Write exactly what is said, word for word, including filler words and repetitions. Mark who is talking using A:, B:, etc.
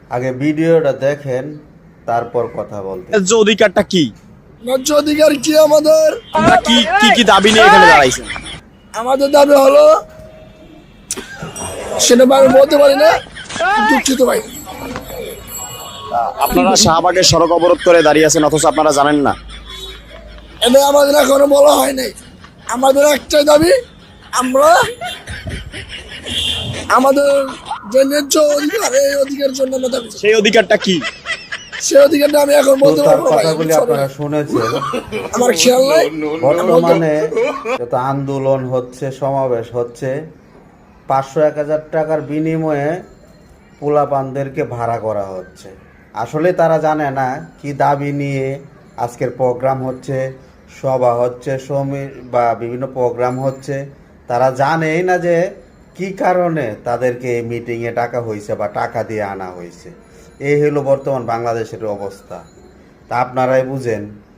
A: আগে ভিডিওটা দেখেন, তারপর কথা বলতে।
B: ন্যায্য অধিকারটা কি?
C: ন্যায্য অধিকার কি আমাদের?
B: আপনারা কি কি কি দাবি নিয়ে এখানে দাঁড়াইছেন?
C: আমাদের দাবি হলো, সেটা আমি বলতে পারি না, দুঃখিত ভাই।
B: আপনারা শাহবাগের সড়ক অবরোধ করে দাঁড়িয়ে আছেন, অথচ আপনারা জানেন না।
C: এটা আমাদের এখনো বলা হয় নাই। আমাদের একটাই দাবি, আমরা আমাদের যে ন্যায্য অধিকার, এই অধিকারের জন্য আমরা দাবি।
B: সেই অধিকারটা কি?
C: সেই অধিকারটা আমি এখন
A: তো
C: বলতে
A: তার
C: পারবো না ভাই,
A: কথাগুলি
C: sorry।
A: আপনারা শুনেছেন।
C: আমার খেয়াল নাই।
A: বর্তমানে যত আন্দোলন হচ্ছে, সমাবেশ হচ্ছে, পাঁচশো এক হাজার টাকার বিনিময়ে পোলাপানদেরকে ভাড়া করা হচ্ছে। আসলে তারা জানে না কি দাবি নিয়ে আজকের প্রোগ্রাম হচ্ছে, সভা হচ্ছে, সমি বা বিভিন্ন প্রোগ্রাম হচ্ছে। তারা জানেই না যে কি কারণে তাদেরকে এই মিটিংয়ে টাকা হয়েছে বা টাকা দিয়ে আনা হয়েছে। এই হলো বর্তমান বাংলাদেশের অবস্থা। তা আপনারাই বুঝেন।